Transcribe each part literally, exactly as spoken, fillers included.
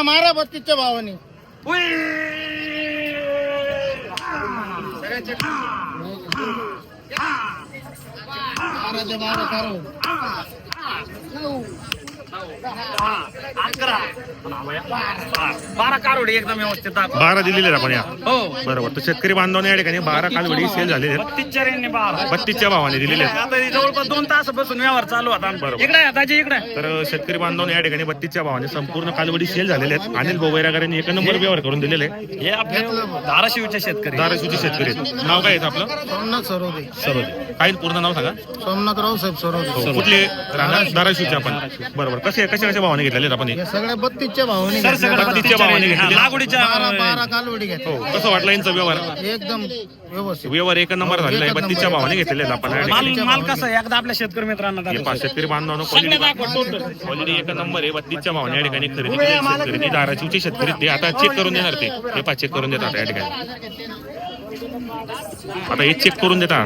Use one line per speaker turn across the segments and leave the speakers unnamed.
मारा मारा बत्तीसच्या भावाने.
बारा कारोडी एकदम व्यवस्थित
बारा दिलेले आहेत आपण या.
हो
बरोबर. तर शेतकरी बांधवांनी या ठिकाणी बारा कालवडी सेल झालेले आहेत.
बत्तीसच्या रेंजने बारा
बत्तीसच्या भावाने दिलेले आहेत.
आता जवळपास दोन तासापासून व्यवहार चालू होता.
बरोबर.
इकडे दाजी इकडे.
तर शेतकरी बांधवांनी या ठिकाणी बत्तीसच्या भावाने संपूर्ण कालवडी सेल झालेले आहेत. अनिल बोबैराकरांनी एक नंबर व्यवहार करून दिलेले आहे.
हे आपले धाराशिवचे शेतकरी
धाराशिवचे शेतकरी आहेत. नाव काय आहे आपलं?
सोमनाथ सरोदे.
सरोदे. काय पूर्ण नाव सांगा.
सोमनाथ राव साहेब सरोदे.
हो. कुठले राहणार? धाराशिवचे आपण. बरोबर. कसे कशा कशा भावाने घेतलेले आहेत आपण हे?
हे सगळे बत्तीसच्या भावाने
सर
घेतले.
सगळं
बत्तीसच्या भावाने
हा,
घेतलेले.
लागवडीच्या
बारा बारा कालवडी घेतली.
हो. कसं वाटलं यांचा व्यवहार?
एकदम व्यवस्थित.
व्यवहार एक नंबर झालेला आहे. बत्तीसच्या भावाने घेतलेले आहेत आपण या
माल
ठिकाणी.
माल कसं आहे एकदा आपल्या शेतकरी मित्रांना
हे
दाखव.
पहा, शेतकरी बांधवांनो
सगळे दाखव टोटल.
क्वालिटी एक नंबर आहे. बत्तीसच्या भावाने या ठिकाणी खरेदी केलेले शेतकरी ते धाराशिवचे शेतकरी ते आता चेक करून देणार. ते हे पहा चेक करून देतात या ठिकाणी. आता हे चेक करून देतात.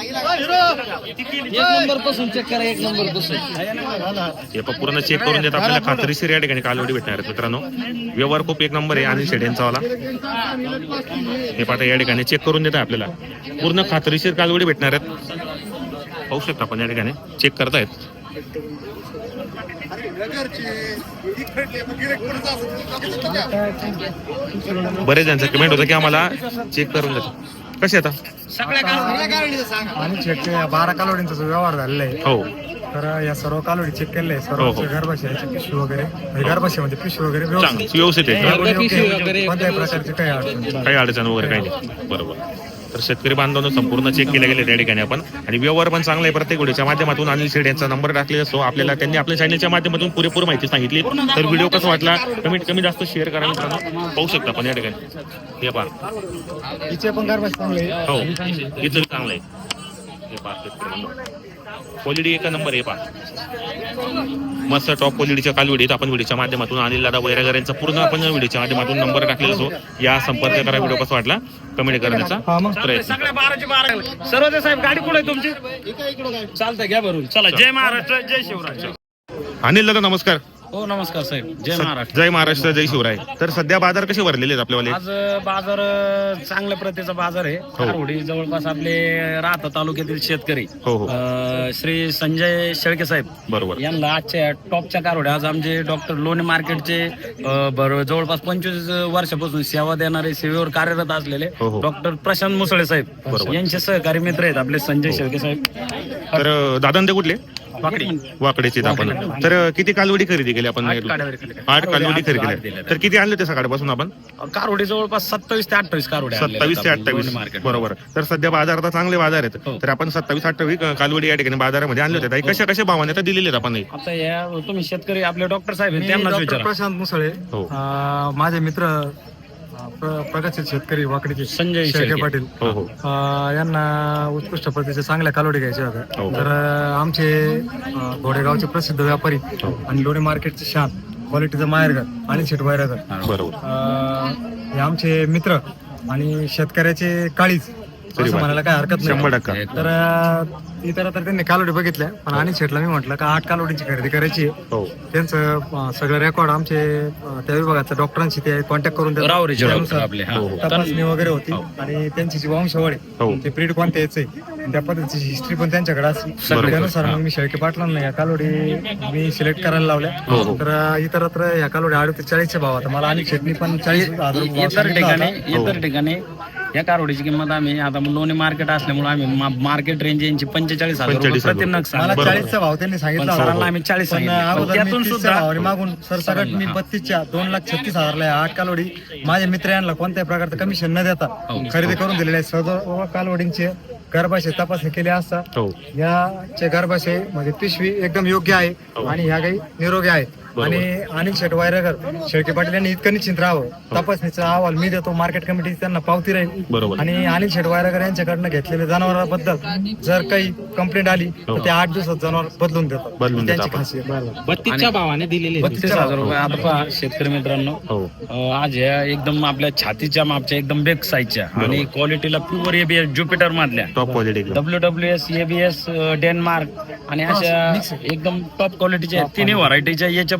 एक नंबर पासून चेक करा. एक नंबर पासून
हे पहा पूर्ण चेक करून देतात. आपल्याला खात्रीशीर या ठिकाणी कालवडी भेटणार आहेत मित्रांनो. व्यवहार खूप एक नंबर आहे. आणि शेड्यांचा वाला हे पाहता या ठिकाणी चेक करून देतात आपल्याला. पूर्ण खात्रीशीर कालवडी भेटणार आहेत. पाहू शकता आपण या ठिकाणी चेक करतायत. बरेच जणांचं कमेंट होतं की आम्हाला चेक करून देतात. कसे आता
सगळ्या
आणि शेटचे बारा कालवडींचा जो व्यवहार झालेला आहे.
हो
तर या सर्व कालवडी चेक केलेले आहे.
हो, हो.
सर्व गर्भाशयाची पिशवी वगैरे म्हणजे गर्भाशयामध्ये पिशवी वगैरे
चांगलं
व्यवस्थित.
व्यवस्थित आहे.
कोणत्याही प्रकारची काही अडचण नाही.
काही अडचण वगैरे काही नाही. बरोबर. तर शेतकरी बांधवांनो संपूर्ण चेक केले गेले त्या ठिकाणी आपण. आणि व्यवहार पण चांगला आहे. प्रत्येक व्हिडिओच्या माध्यमातून अनिल शेड यांचा नंबर टाकलेला असतो. आपल्याला त्यांनी आपल्या चॅनलच्या माध्यमातून पुरेपूर माहिती सांगितली. तर व्हिडिओ कसा वाटला कमीत कमी जास्त शेअर करा मित्रांनो. पाहू शकता आपण या ठिकाणी. हे पहा.
हिचे पण गर्भाशय चांगले आहे.
हो इथं चांगलं आहे. हे पहा शेतकरी बांधव. क्वालिटी एक नंबर आहे. पहा मस्त टॉप क्वालिटीच्या कालवडीत आपण व्हिडिओच्या माध्यमातून अनिल दादा वैरागर यांचा पूर्ण आपण व्हिडिओच्या माध्यमातून नंबर टाकलेला असो. या संपर्क करा. व्हिडिओ कसा वाटला कमेंट करण्याचा प्रयत्न.
सगळ्या बाराचे बारा. सर्वोदय साहेब गाडी कुठे आहे तुमची? चालतंय घ्या भरून. चला जय महाराष्ट्र जय शिवराय.
अनिल दादा नमस्कार.
हो नमस्कार साहेब. जय महाराष्ट्र.
जय महाराष्ट्र जय शिवराय. तर सध्या बाजार कसे भरलेले आहेत आपल्यावाले?
आज बाजार अ, चांगल्या प्रतीचा बाजार आहे. कारवडी जवळपास आपले राहता तालुक्यातील शेतकरी
हो हो
अ, श्री संजय शेळके साहेब
बरोबर.
यांना आजच्या टॉपच्या कारवड्या आज आमचे डॉक्टर लोणे मार्केटचे अ, बरोबर जवळपास पंचवीस वर्षापासून सेवा देणारे सेवेवर कार्यरत असलेले
हो, हो.
डॉक्टर प्रशांत मुसळे साहेब
बरोबर.
यांचे सहकारी मित्र आहेत आपले संजय शेळके साहेब.
तर दादा ते कुठले?
वाकडी.
वाकडेचे आपण. तर किती कालवडी खरेदी केली आपण?
आठ कालवडी खरेदी.
आठ कालवडी खरेदी
आठ
केली.
दिल्या.
तर किती आणले ते सकाळपासून आपण?
कारवडी जवळपास सत्तावीस ते अठ्ठावीस कारवड्या आणलेल्या
सत्तावीस ते
आहेत आपण
अठ्ठावीस
लोणे मार्केट.
बरोबर. तर सध्या बाजार आता चांगले बाजार आहेत.
हो.
तर आपण सत्तावीस अठ्ठावीस कालवडी या ठिकाणी बाजारामध्ये आणले होते. कशा कशा भावाने आता दिलेले आहेत आपण हे?
आता या तुम्ही शेतकरी आपले डॉक्टर साहेब आहेत
मी
त्यांनाच
डॉक्टर
विचारा.
प्रशांत मुसळे.
हो.
अं, माझे मित्र अं, प्र- प्रगतशील शेतकरी वाकडीचे
संजय
शेळके
शेळके.
पाटील.
हो हो
अं, यांना उत्कृष्ट प्रतीच्या चांगल्या कालवडी घ्यायच्या होत्या.
हो.
तर अं, आमचे अं, घोडेगावचे प्रसिद्ध व्यापारी
हो.
आणि लोणे मार्केटचे शान क्वालिटीचं माहेरघर आणि शेट वायरगर
बरोबर.
अं, हे आमचे मित्र आणि शेतकऱ्याचे काळीज
तरी
असं
वा.
म्हणायला काय हरकत
शंभर
नाही.
टक्का.
तर अं, इतर तर त्यांनी कालवडी बघितल्या पण आणि शेटला मी म्हटलं का आठ कालवडीची खरेदी करायची आहे.
हो
त्यांचं अं, सगळं रेकॉर्ड आमचे अं, त्या विभागाच्या डॉक्टरांशी ते कॉन्टॅक्ट करून देतात.
रावरीचे डॉक्टर
त्यानुसार
आपले हा.
हो, हो.
तपासणी वगैरे होती
हो.
आणि त्यांची जी वंशावळ
हो.
आहे ते ब्रीड कोणत्या यायचंय त्या पद्धतीची हिस्ट्री पण त्यांच्याकडे असली.
बरोबर.
त्यानुसार मग मी शेळके पाटलांना या कालोडी मी सिलेक्ट करायला लावल्या.
हो, हो.
तर अं, इतरत्र या कालोडी अडतीस चाळीसच्या भाव आता मला आणि शेटनी पण चाळीस हजार रुपये भाव
इतर
सांगितला
ठिकाणी
होता.
इतर ठिकाणी या कारवडीची किंमत आम्ही आता लोणे मार्केट असल्यामुळे आम्ही मा- मार्केट रेंज यांची पंचेचाळीस हजार रुपये
पंचेचाळीस हजार
प्रति नग
मला
सांगितलं.
बरोबर.
चाळीसचा भाव त्यांनी सांगितला
पण
होता.
सरांना आम्ही चाळीस
पण
सांगितले. पण
अगोदर मी
त्यातून
तीसच्या
सुद्धा
भावाने मागून सर सगळं मी
हा.
बत्तीसच्या दोन लाख छत्तीस हजारला या आठ कालवडी माझ्या मित्र यांना कोणत्याही प्रकारचं कमिशन न देता
हो.
खरेदी करून दिलेले आहे. सर्व कालवडींचे गर्भाशय तपासणी केली असता
हो
याचे गर्भाशय म्हणजे पिशवी एकदम योग्य आहे आणि ह्या काही निरोगी आहेत. आणि अनिल शेट वायरगर शेळके पाटील यांनी इतकं निश्चिंत राहावं. तपासणीचा अहवाल मी देतो. मार्केट कमिटी त्यांना पावती राहील.
बरोबर.
आणि अनिल शेट वायरगर यांच्याकडनं घेतलेल्या जनावरांबद्दल जर काही कंप्लेंट आली तर ते आठ दिवसात जनावर बदलून देतात.
बदलून देतात
त्यांची
आपण.
खासियत.
बत्तीसच्या भावाने दिलेले बत्तीस हजार रुपये. आता पहा शेतकरी मित्रांनो
हो
अं, आज ह्या एकदम आपल्या छातीच्या मापच्या एकदम बेग साईजच्या आणि क्वालिटीला प्युअर एबीएस ज्युपिटर मधल्या
top quality
W W S ABS Denmark आणि अशा एकदम टॉप क्वालिटीच्या तिन्ही व्हरायटीच्या याच्या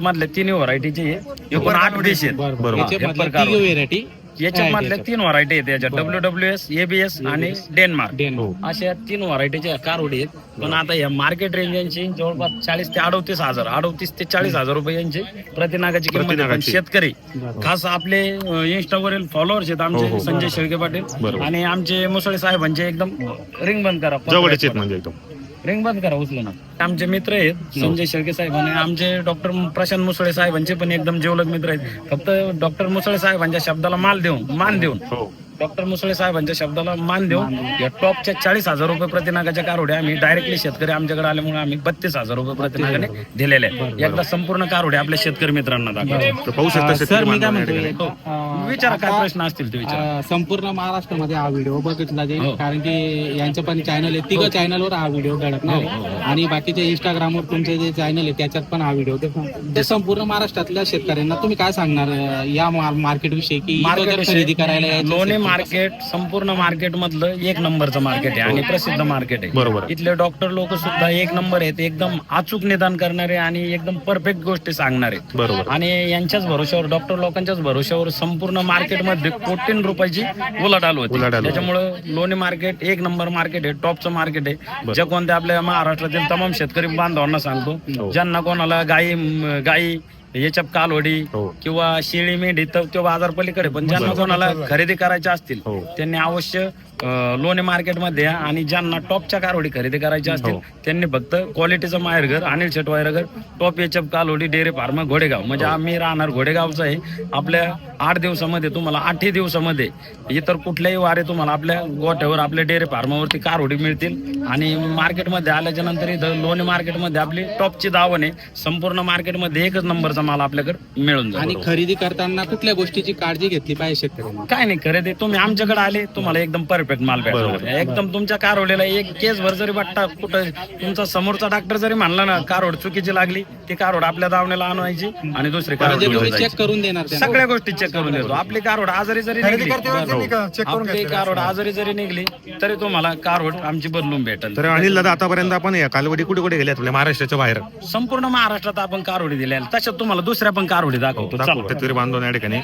मधल्या तिन्ही व्हरायटीचे एकूण आठ देश आहेत.
बरोबर.
हेपर कारवडी.
व्हेरायटी
याच्यात मधल्या तीन व्हरायटी आहेत याच्यात डब्ल्यू डब्ल्यू एस एबीएस आणि डेन्मार्क अशा तीन व्हरायटीच्या कारवडी आहेत. पण आता या मार्केट रेंज यांची जवळपास चाळीस ते अडतीस हजार अडतीस ते चाळीस हजार रुपये यांची प्रतिनागाची किंमत आहे. पण
प्रतिनागाची.
शेतकरी खास आपले इंस्टावरील फॉलोअर्स आहेत
हो,
आमचे
हो.
संजय शेळके पाटील
बरोबर.
आणि आमचे मुसळे साहेबांचे एकदम रिंग बंद करा
जवळचे आहेत म्हणजे एकदम.
रिंग बंद करा उचलू ना. आमचे मित्र आहेत संजय शेळके साहेब आणि आमचे डॉक्टर प्रशांत मुसळे साहेबांचे पण एकदम जिवलग मित्र आहेत. फक्त डॉक्टर मुसळे साहेबांच्या शब्दाला माल देऊन मान देऊन
हो
डॉक्टर मुसळे साहेबांच्या शब्दाला मान देऊन या टॉपच्या चाळीस हजार रुपये प्रतिनागाच्या कारवड्या आम्ही डायरेक्टली शेतकरी आमच्याकडे आल्यामुळे आम्ही बत्तीस हजार रुपये प्रतिनागाने दिलेले आहेत. एकदा संपूर्ण कारवड्या आपल्या शेतकरी मित्रांना दाखवा.
तर पाहू शकता
सर
शेतकरी
मी काय
बांधवांना या
म्हणतोय
ठिकाणी.
अं,
विचारा काय
आता,
प्रश्न असतील ते विचारा.
अं, संपूर्ण महाराष्ट्रामध्ये हा व्हिडिओ बघितला जाईल
हो.
कारण की यांचं पण चॅनल आहे तिघ चॅनलवर हा व्हिडिओ घडकणार आहे आणि बाकीचे इंस्टाग्रामवर तुमचे जे चॅनल आहे त्याच्यात पण हा व्हिडिओ ते संपूर्ण महाराष्ट्रातल्या शेतकऱ्यांना तुम्ही काय सांगणार अं, या मार्केट विषयी की इथं जर खरेदी करायला यायचं
लोणे
असेल तर
मार्केट संपूर्ण मार्केट मधलं एक नंबरचं मार्केट आहे आणि प्रसिद्ध मार्केट आहे.
बरोबर.
इथले डॉक्टर लोक सुद्धा एक नंबर आहेत. एकदम अचूक निदान करणारे आणि एकदम परफेक्ट गोष्टी सांगणारे.
बरोबर.
आणि यांच्याच भरोश्यावर डॉक्टर लोकांच्याच भरोश्यावर संपूर्ण मार्केटमध्ये कोटी रुपयांची उलाढाल होती.
उलाढाल होती.
त्याच्यामुळे लोणे मार्केट एक नंबर मार्केट आहे. टॉपचं मार्केट आहे. ज्या कोणत्या आपल्या महाराष्ट्रातील तमाम शेतकरी बांधवांना सांगतो ज्यांना कोणाला गाई म, गाई याच्या कालवडी
हो.
किंवा शेळी मेंढी तर तो बाजार पलीकडे पण ज्यांना कोणाला खरेदी करायच्या असतील
हो.
त्यांनी अवश्य अं, लोणे मार्केटमध्ये या आणि ज्यांना टॉपच्या कारवडी खरेदी करायच्या असतील
हो.
त्यांनी फक्त क्वालिटीचं माहेरघर अनिल शेट वायरघर टॉप एच एफ कालवडी डेअरी फार्म घोडेगाव म्हणजे आम्ही राहणार घोडेगावचं आहे. आपल्या आठ दिवसामध्ये तुम्हाला आठही दिवसामध्ये इतर कुठल्याही वारे तुम्हाला आपल्या गोठ्यावर आपल्या डेअरी फार्मावरती कारवडी मिळतील. आणि मार्केटमध्ये आल्याच्या नंतर इथं लोणे मार्केटमध्ये आपली टॉपची दावण आहे. संपूर्ण मार्केटमध्ये एकच नंबरचा माल आपल्याकडे मिळून
आणि
जाईल.
खरेदी करताना कुठल्या गोष्टीची काळजी घेतली पाहिजे शेतकऱ्यांना
काय नाही खरेदी तुम्ही आमच्याकडे आले तुम्हाला एकदम परफेक्ट माल भेटणार. एकदम तुमच्या कारवडीला एक केस भर जरी वाटता कुठं तुमचा समोरचा डॉक्टर जरी म्हणला ना कारवड चुकीची लागली ती कारवड आपल्या दावण्याला आणवायची आणि दुसरी कारवड
म्हणजे
घेऊन
तुम्ही
जायची.
चेक करून देणार त्यांना?
सगळ्या गोष्टी चेक करून देतो. आपली कारवड आजारी जरी
खरेदी
निघली
करते वेळेस त्यांनी का- चेक करून
आपली
घेतलेलं
कारवड आजारी जरी निघली तरी तुम्हाला कारवड आमची बदलून भेटेल.
तर अनिल दादा आतापर्यंत आपण या कालवडी कुठे कुठे गेल्या आपल्या महाराष्ट्राच्या बाहेर
संपूर्ण महाराष्ट्रात आपण कारवडी दिल्या तशात तुम्हाला दुसऱ्या पण कारवडी दाखवतो.
दाखवू.
चला.
शेतकरी बांधव या ठिकाणी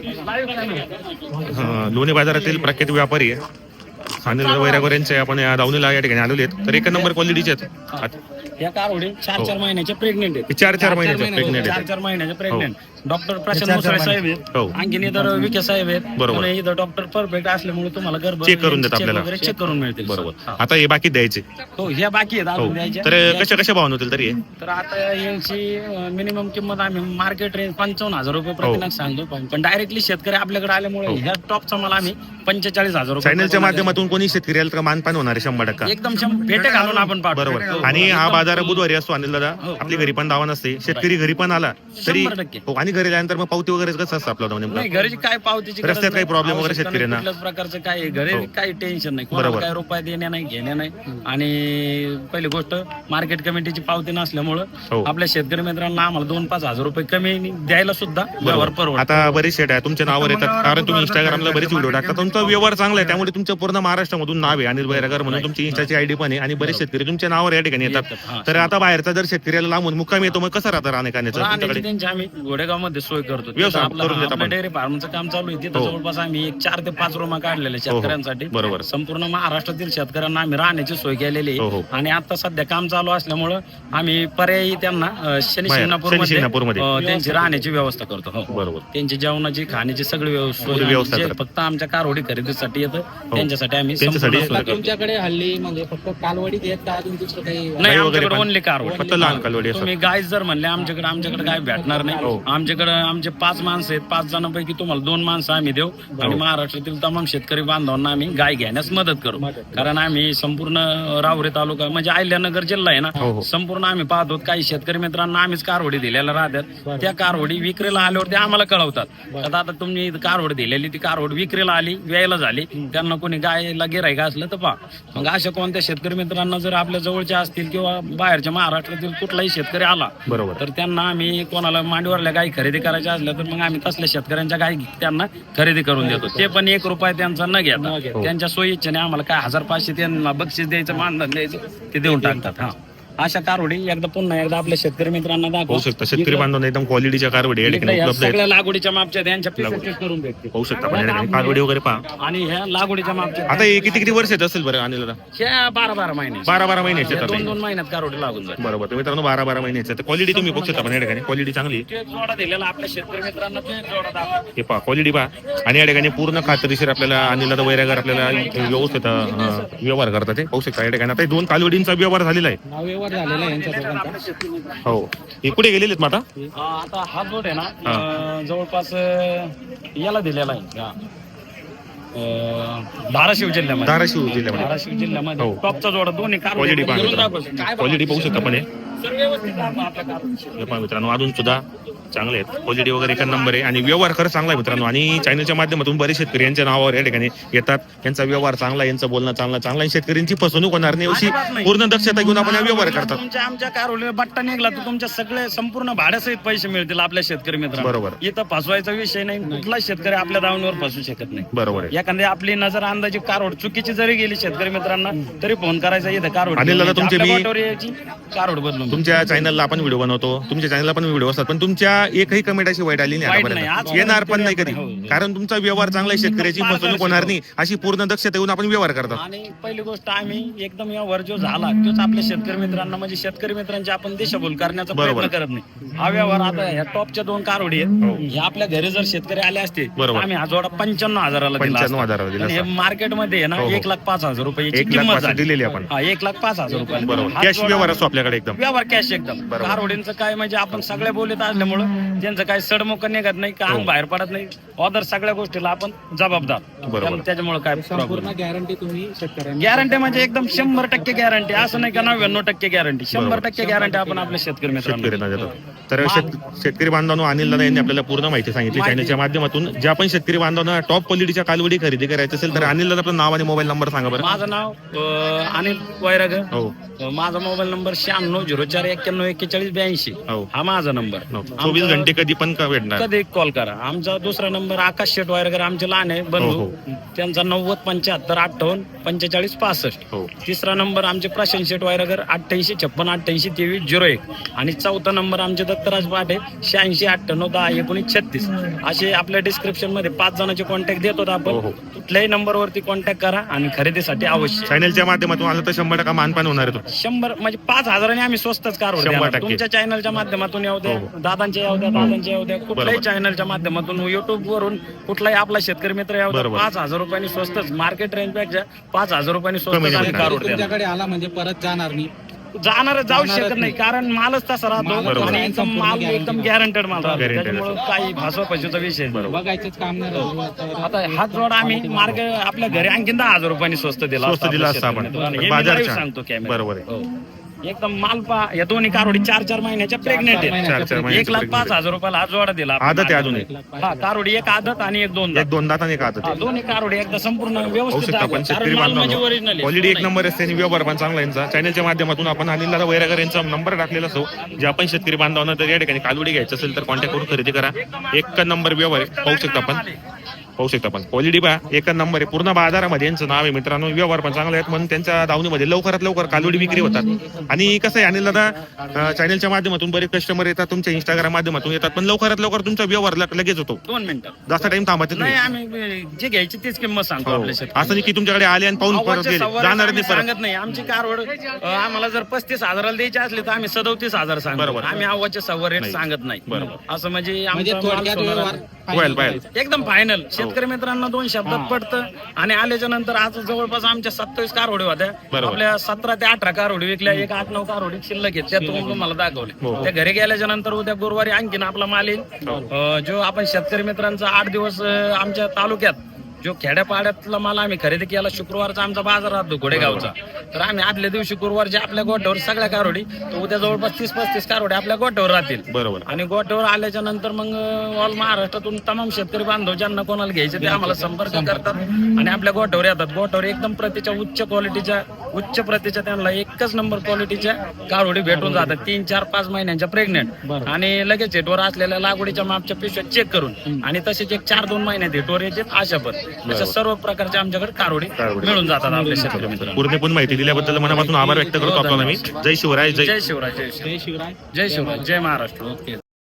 अं, लोणी बाजारातील प्रख्यात व्यापारी आहे अनिल वैरागर यांचे आपण या दावणीला या ठिकाणी आलेले आहेत. तर एक नंबर क्वालिटीचे आहेत.
या कारवडी चार चार महिन्याचे प्रेग्नेंट आहेत.
चार चार महिन्याचे
महिने
प्रेग्नेंट
चार
आहेत.
चार महिन्याचे प्रेग्नेंट डॉक्टर प्रशांत
चार चार
मुसळे
महिने.
साहेब
हो.
आहेत. आणखीन इतर विखे साहेब आहेत.
बरोबर.
पुणे इथं डॉक्टर परफेक्ट असल्यामुळे तुम्हाला गर्भ
चेक करून देतात
check
आपल्याला.
वगैरे चेक करून मिळतील.
बरोबर.
हा.
आता हे बाकी द्यायचे
हो ह्या बाकी आहेत
हो.
अजून द्यायच्या.
तर कशा कशा भाव होतील तरी हे?
तर आता यांची मिनिमम किंमत आम्ही मार्केट रेंज पंचावन्न हजार रुपये प्रतिनाग सांगतो पण- पण डायरेक्टली शेतकरी आपल्याकडे आल्यामुळे ह्या टॉपचा मला आम्ही पंचेचाळीस हजार रुपये
चॅनलच्या
प्रतिनाग
माध्यमातून कोणी शेतकरी आला तर मानपान होणार आहे शंभर टक्का.
एकदम शं- पेटे घालून आपण पाठवू.
बरोबर. आणि हा बाजार बुधवारी असतो अनिल दादा. आपली घरी पण दावा नसते. शेतकरी घरी पण आला तरी
शंभर टक्के.
हो. आणि घरी आल्यानंतर मग पावती वगैरे कसं असतं आपलं नेमकं?
नाही घरची काय पावतीची गरज
रस्त्यात काही
नाही.
problem वगैरे
आवश्यकता
शेतकऱ्यांना?
नाही, कुठल्याच प्रकारचं काय घरी काही टेन्शन नाही कोणाला
बरोबर.
काय रुपये देणे नाही घेणे नाही. आणि पहिली गोष्ट मार्केट कमिटीची पावती नसल्यामुळं
हो.
आपल्या शेतकरी मित्रांना आम्हाला दोन पाच हजार रुपये कमी द्यायला सुद्धा व्यवहार परवडतो.
आता बरेच शेट आहे तुमच्या नावावर येतात कारण तुम्ही इंस्टाग्रामला बरेच व्हिडिओ टाकता. तुमचा व्यवहार चांगला आहे त्यामुळे तुमच्या पूर्ण महाराष्ट्रामधून नाव आहे अनिल बैरागर म्हणून तुमची इंस्टाची आयडी पण आहे आणि बरेच शेतकरी तुमच्या नावावर या ठिकाणी येतात.
येतात, हा.
तर आता बाहेरचा जर शेतकऱ्याला लांबून मुक्काम येतो मग कसं राहतं राहण्याखाण्याचं
राहण्याची
तुमच्याकडे?
त्यांची आम्ही घोडेगाव मध्ये सोय करतो.
व्यवसाय
तिथं आपलं-
करून देता
आपलं
आपण.
डेअरी फार्मचं काम चालू आहे तिथं
हो.
जवळपास आम्ही एक चार ते पाच रूमा काढलेल्या शेतकऱ्यांसाठी.
बरोबर.
संपूर्ण महाराष्ट्रातील शेतकऱ्यांना आम्ही राहण्याची सोय केलेली
हो, हो.
आहे. आणि आता सध्या काम चालू असल्यामुळं आम्ही पर्यायी त्यांना अं, शनी
बाहेर,
शिंगणापूर
शनी शिंगणापूरमध्ये.
त्यांची राहण्याची व्यवस्था करतो. हो.
बरोबर.
त्यांची जेवणाची खाण्याची सगळी व्यव- सोय
पूर्ण व्यवस्था
आम्ही जे
करतो.
फक्त आमच्या कारवडी खरेदीसाठी येतं त्यांच्यासाठी आम्ही
त्यांच्यासाठी
संपूर्ण सोय
आता
करतो.
तुमच्याकडे हल्ली म्हणजे फक्त कालवडी देत का अजून दुसरं काही
नाही
गाई वगैरे
आमच्याकडे
पण?
ओनली कारवड.
फक्त लहान कालवडी असतात.
तुम्ही गाय जर म्हणले आमच्याकडे आमच्याकडे काय भेटणार
हो.
नाही. आमच्याकडे आमचे पाच माणसं आहेत. पाच जणांपैकी तुम्हाला दोन माणसं आम्ही देऊ आणि महाराष्ट्रातील तमाम शेतकरी बांधवांना आम्ही गाय घेण्यास मदत करू. कारण आम्ही संपूर्ण राहुरी तालुका म्हणजे अहिल्यानगर जिल्हा आहे
हो,
ना
हो.
संपूर्ण आम्ही पाहतो काही शेतकरी मित्रांना आम्हीच कारवडी दिलेल्या राहतात. त्या कारवडी विक्रीला आल्यावरती आम्हाला कळवतात. आता आता तुम्ही कारवड दिलेली ती कारवड विक्रीला आली व्यायला झाली त्यांना कोणी गायला गिरायक असलं तर पहा. मग अशा कोणत्या शेतकरी मित्रांना जर आपल्या जवळच्या असतील किंवा बाहेरच्या महाराष्ट्रातील कुठलाही शेतकरी आला
बरोबर.
तर त्यांना आम्ही कोणाला मांडीवरल्या गाई खरेदी करायच्या असल्या तर मग आम्ही तसल्या शेतकऱ्यांच्या गाई त्यांना खरेदी करून देतो. ते पण एक रुपया त्यांचा न घेता त्यांच्या सोयीच्छेने आम्हाला काय हजार पाचशे त्यांना बक्षीस द्यायचं मानधन द्यायचं ते देऊन टाकतात. हा अशा कारवडी एकदा पुन्हा एकदा आपल्या शेतकरी मित्रांना दाखवा.
पाहू शकता शेतकरी बांधवांना एकदम क्वालिटीच्या कारवडी या
इकडे
ठिकाणी
ह्या
उपलब्ध आहेत.
सगळ्या लागवडीच्या मापच्या आहेत. यांच्या पिसेस करून भेटते.
पाहू शकता आपण या ठिकाणी कारवडी वगैरे पहा.
आणि ह्या लागवडीच्या मापच्या
आता हे किती किती वर्षाचे असेल बरं अनिल दादा?
ह्या बारा बारा महिने
बारा बारा महिन्याचे येतात
दोन
हे.
दोन महिन्यात कारवडी लागून जाते.
बरोबर तर मित्रांनो बारा बारा महिन्याचे तर क्वालिटी तुम्ही बघू शकता पण या ठिकाणी क्वालिटी चांगली आहे.
ते जोडा दिलेला आपल्या शेतकरी मित्रांना ते जोडा दाखवा.
हे पहा क्वालिटी पहा आणि या ठिकाणी पूर्ण खात्रीशीर आपल्याला अनिल दादा वैरागर आपल्याला व्यवस्थित अं, व्यवहार करतात ते पाहू शकता या ठिकाणी. आता हे दोन कालवडींचा व्यवहार झालेला आहे.
हा व्यवहार झालेला आहे यांच्या दोघांचा.
आपल्या शेतकरी मित्रांना.
हो हे कुठे गेलेले आहेत मग आता?
हा, आता हा जोड आहे ना अं, जवळपास अं, याला दिलेला आहे हा. अं, धाराशिव जिल्ह्यामध्ये
धाराशिव जिल्ह्यामध्ये
धाराशिव जिल्ह्यामध्ये
हो.
टॉपचा जोडा दोन्ही
क्वालिटी
कारवडी घेऊन
पहा
दाखवा. काय
क्वालिटी पाहू शकता पण हे
सर्व व्यवस्थित दाखवा आपल्या कारवडी.
हे पहा मित्रांनो अजून सुद्धा चांगले आहेत. क्वालिटी वगैरे एक नंबर आहे आणि व्यवहार खरंच चांगला आहे मित्रांनो. आणि चॅनलच्या माध्यमातून बरेच शेतकरी यांच्या नावावर या ठिकाणी येतात. यांचा व्यवहार चांगला आहे, यांचं बोलणं चांगलं चांगलं आहे. शेतकऱ्यांची फसवणूक होणार नाही अशी पूर्ण दक्षता घेऊन आपण हा व्यवहार करतात.
तुमच्या आमच्या कारवडीला बट्टा निघला तर तुमच्या सगळे संपूर्ण भाड्यासहित पैसे मिळतील आपल्या शेतकरी मित्रांना.
बरोबर.
इथं फसवायचा विषय नाही. कुठला शेतकरी आपल्या दावणीवर फसू शकत नाही.
बरोबर आहे.
एखादी आपली नजर अंदाजी कारवड चुकीची जरी गेली शेतकरी मित्रांना तरी फोन करायचा इथं कारवड
अनिल दादा, तुमचे
आपल्या
मी-
बोटावर यायची, कारवड बदलून
तुमच्या चॅनलला आपण व्हिडिओ बनवतो, तुमच्या चॅनलला पण व्हिडिओ असतात, पण तुमच्या एकही कमेंट अशी वाईट आली नाही
वाईट नाही.
आतापर्यंत.
आज
येणार पण नाही कधी.
हो, हो.
कारण तुमचा व्यवहार चांगला आहे, शेतकऱ्याची फसवणूक होणार नाही अशी पूर्ण दक्षता घेऊन आपण व्यवहार करतात.
आणि पहिली गोष्ट आम्ही एकदम या वर जो झाला तोच आपल्या शेतकरी मित्रांना म्हणजे शेतकरी मित्रांची आपण दिशाभूल करण्याचा
बरोबर.
प्रयत्न करत नाही. हा व्यवहार आता ह्या टॉपच्या दोन कारवडी आहेत ह्या आपल्या घरी जर शेतकरी आले असते
बरोबर.
आम्ही हा जोडा पंच्याण्णव हजाराला दिला
पंच्याण्णव
असता.
हजाराला दिला
पण हे
असता.
मार्केटमध्ये आहे ना
हो, हो.
एक लाख पाच हजार रुपयाची
एक लाख
किंमत
पाच
झाली.
दिलेली आपण.
हा एक लाख पाच हजार रुपये
बरोबर. कॅश व्यवहार असतो आपल्याकडे एकदम.
व्यवहार कॅश एकदम.
बरोबर.
कारवडींचं काय म्हणजे आपण सगळ्या बोलीत असल्यामुळं त्यांचं काय सडमुख निघत नाही का
हो.
अंग बाहेर पडत नाही. ऑदर सगळ्या गोष्टीला आपण जबाबदार.
बरोबर.
त्यामुळे- त्याच्यामुळे काय प्रॉब्लेम
संपूर्ण गॅरंटी तुम्ही शेतकऱ्यांना
गॅरंटी म्हणजे एकदम शंभर टक्के गॅरंटी. असं नाही का नव्याण्णव टक्के गॅरंटी. शंभर
बरोबर.
टक्के गॅरंटी आपण आपल्या शेतकरी मित्रांना
शेतकऱ्यांना देतात. तर शेत- शेतकरी बांधवांनो अनिल दादा यांनी आपल्याला पूर्ण माहिती सांगितली
माहिती.
चॅनलच्या माध्यमातून. ज्या पण शेतकरी बांधवांना टॉप क्वालिटीच्या कालवडी खरेदी करायची असेल तर अनिल दादा आपलं नाव आणि मोबाईल नंबर सांगा बरं.
माझं नाव अं, अनिल वैरागर.
हो
अं, माझा मोबाईल नंबर शहाण्णव झिरो चार एक्क्याण्णव एक्केचाळीस ब्याऐंशी.
हो
हा माझा नंबर.
हो. चोवीस घंटे कधी पण का भेटणार.
कधी कॉल करा. आमचा दुसरा नंबर आकाश शेट वैरागर आमचे लहान आहे
हो,
बंधू.
हो.
त्यांचा नव्वद पंच्याहत्तर अठ्ठावन्न पंचेचाळीस पासष्ट.
हो
तिसरा नंबर आमचे प्रशांत शेट वायरगर अठ्ठ्याऐंशी छप्पन अठ्ठ्याऐंशी तेवीस झिरो एक. आणि चौथा नंबर आमचे दत्तराज पाटे शहाऐंशी अठ्ठ्याण्णव दहा एकोणीस छत्तीस. असे आपल्या डिस्क्रिप्शन मध्ये पाच जणांचे कॉन्टॅक्ट देतो
हो,
आपण.
हो.
कुठल्याही नंबरवरती कॉन्टॅक्ट करा आणि खरेदीसाठी अवश्य.
चॅनलच्या माध्यमातून आलं तर शंभर टक्का मानपान होणार आहे तो.
शंभर म्हणजे पाच हजारांनी आम्ही स्वस्तच कार
शंभर टक्के.
तुमच्या चॅनलच्या माध्यमातून येऊ द्या,
हो, हो.
दादांच्या येऊ द्या, दादांच्या येऊ द्या, कुठल्याही
बरोबर.
चॅनलच्या माध्यमातून युट्यूब वरून कुठलाही आपला शेतकरी मित्र येऊ द्या.
बरोबर.
पाच हजार रुपयांनी स्वस्तच मार्केट रेंज पेक्षा पाच हजार रुपयांनी स्वस्त
कमी
आम्ही
नाही.
कार उडतो.
तुमच्याकडे आला म्हणजे परत जाणार नाही.
जाणार जाऊ
जाणारच
शकत नाही कारण मालच तसा राहतो
बरोबर.
आणि एकदम माल एकदम गॅरंटेड माल राहतो.
Guaranteed
त्याच्यामुळे काही भासवा पैशाचा विषय नाही.
बघायचंच काम नाही राहिलं. तर
आता हा जोडा आम्ही मार्ग आपल्या घरी आणखीन दहा हजार रुपयांनी स्वस्त दिला
स्वस्त दिला असता आपण. बाजारच्या.
सांगतो कॅमेरा.
बरोबर आहे.
एकदम माल पा या दोन्ही कारवडी चार चार महिन्याच्या प्रेग्नेंट
चार
आहेत.
चार चार
एक
महिन्याची
लाख
pregnant
पाच हजार रुपयाला हा जोडा दिला आपण
आदत आहे अजून
market
एक.
मध्ये. हा कारवडी एक आदत आणि एक दोन
एक
दात.
दोन दात आणि एक हात
हा, दोन्ही कारवडी एकदा संपूर्ण
होऊ
व्यवस्थित
शकता
दाखवा.
पण
कारण
शेतकरी
माल म्हणजे
बांधवांनो
ओरिजिनल
क्वालिटी एक नंबर असते आणि व्यवहार पण चांगला यांचा. चॅनलच्या माध्यमातून आपण अनिल दादा वैरागर यांचा नंबर टाकलेला असो. जे आपण शेतकरी बांधवांना तर या ठिकाणी कालवडी घ्यायचं असेल तर कॉन्टॅक्ट करून खरेदी करा. एक नंबर व्यवहार आहे. पाहू शकता आपण पाहू शकता आपण क्वालिटी पहा एक नंबर आहे. पूर्ण बाजारामध्ये यांचं नाव आहे मित्रांनो. व्यवहार पण चांगले आहेत म्हणून त्यांच्या दावणीमध्ये लवकरात लवकर कालवडी विक्री होतात. आणि कसं आहे अनिल दादा अं, चॅनलच्या माध्यमातून बरेच कस्टमर येतात, तुमच्या इंस्टाग्राम माध्यमातून येतात, पण लवकरात लवकर तुमचा व्यवहार लग- लगेच होतो.
दोन मिनिटं
जास्त टाइम थांबत
नाही.
नाही.
आम्ही जे घ्यायची तीच किंमत सांगतो
हो.
आपल्या शेतकरी.
असं नाही की तुमच्याकडे आले आणि पाहून परत
अव्वाच्या
गेले
सव्वाला
जाणार
आम्ही
नाही परत.
सांगत नाही. आमची कारवड अं, आम्हाला जर पस्तीस हजाराला द्यायची असली तर आम्ही सदोतीस हजार सांगतो.
बरोबर.
आम्ही अव्वाच्या सव्वा रेट
नाही.
सांगत नाही.
बरोबर.
असं म्हणजे
म्हणजे
आमचा माल
थोडक्यात
सोनारा-
व्यवहार
व्हायला पाहिजे.
एकदम फायनल. शेतकरी मित्रांना दोन शब्दात पडतं. आणि आल्याच्या नंतर आज जवळपास आमच्या सत्तावीस कारवडी होत्या.
बरोबर.
आपल्या सतरा ते अठरा कारवडी विकल्या. एक आठ नऊ कारवडी शिल्लक आहेत त्या तुम्हाला दाखवले.
हो.
त्या घरी गेल्याच्या नंतर उद्या गुरुवारी आणखीन आपला माल येईल.
हो.
अं, जो आपण शेतकरी मित्रांचा आठ दिवस अं, आमच्या तालुक्यात जो खेड्यापाड्यातला माल आम्ही खरेदी केला. शुक्रवारचा आमचा बाजार राहतो घोडेगावचा. तर आम्ही आदल्या दिवशी गुरुवारच्या आपल्या गोठ्यावर सगळ्या कारवडी तर उद्या जवळपास तीस पस्तीस कारवडी आपल्या गोठ्यावर राहतील.
बरोबर.
आणि गोठ्यावर आल्याच्या नंतर मग ऑल महाराष्ट्रातून तमाम शेतकरी बांधव ज्यांना कोणाला घ्यायचे ते आम्हाला संपर्क करतात आणि आपल्या गोठ्यावर येतात. गोठ्यावर एकदम प्रतीच्या उच्च क्वालिटीच्या उच्च प्रतीच्या त्यांना एकच नंबर क्वालिटीच्या काळोडी भेटून जातात तीन चार पाच महिन्यांच्या प्रेग्नेंट
बरं.
आणि लगेच हेटवर असलेल्या लागवडीच्या मापच्या पिशव्या चेक करून आणि तसेच एक चार दोन महिन्यात हेटवर येते अशा पण अशा सर्व प्रकारच्या आमच्याकडे कारोडी
कारोडी.
मिळून जातात आपल्या शेतकरी मित्रांनो.
पूर्णपण माहिती दिल्याबद्दल मनापासून आभार व्यक्त करतो आपल्याला मी. जय शिवराय. जय
जय शिवराय जय शिवराय
जय शिवराय
जय शिवराय जय महाराष्ट्र. ओके.